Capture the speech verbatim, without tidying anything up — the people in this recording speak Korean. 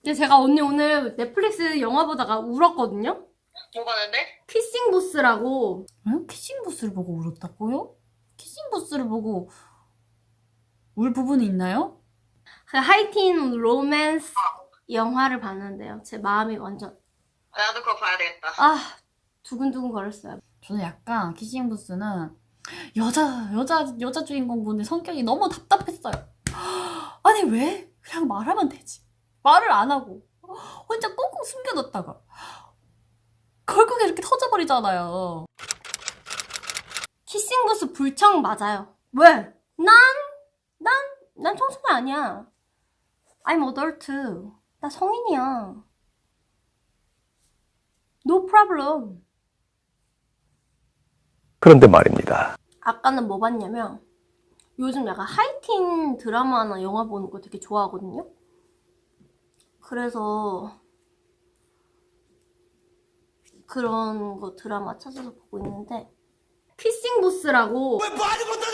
근데 제가 언니 오늘 넷플릭스 영화 보다가 울었거든요? 뭐 봤는데? 키싱 부스라고. 응? 키싱 부스를 보고 울었다고요? 키싱 부스를 보고 울 부분이 있나요? 그 하이틴 로맨스 영화를 봤는데요. 제 마음이 완전 나도 그거 봐야 되겠다. 아 두근두근 거렸어요. 저는 약간 키싱 부스는 여자 여자 여자 주인공분의 성격이 너무 답답했어요. 아니 왜? 그냥 말하면 되지. 말을 안 하고 혼자 꽁꽁 숨겨뒀다가 결국에 이렇게 터져버리잖아요. 키싱 부스 불청 맞아요. 왜? 난, 난, 난 청소년 아니야. I'm adult. 나 성인이야. No problem. 그런데 말입니다. 아까는 뭐 봤냐면 요즘 약간 하이틴 드라마나 영화 보는 거 되게 좋아하거든요. 그래서 그런 거 드라마 찾아서 보고 있는데 키싱 부스라고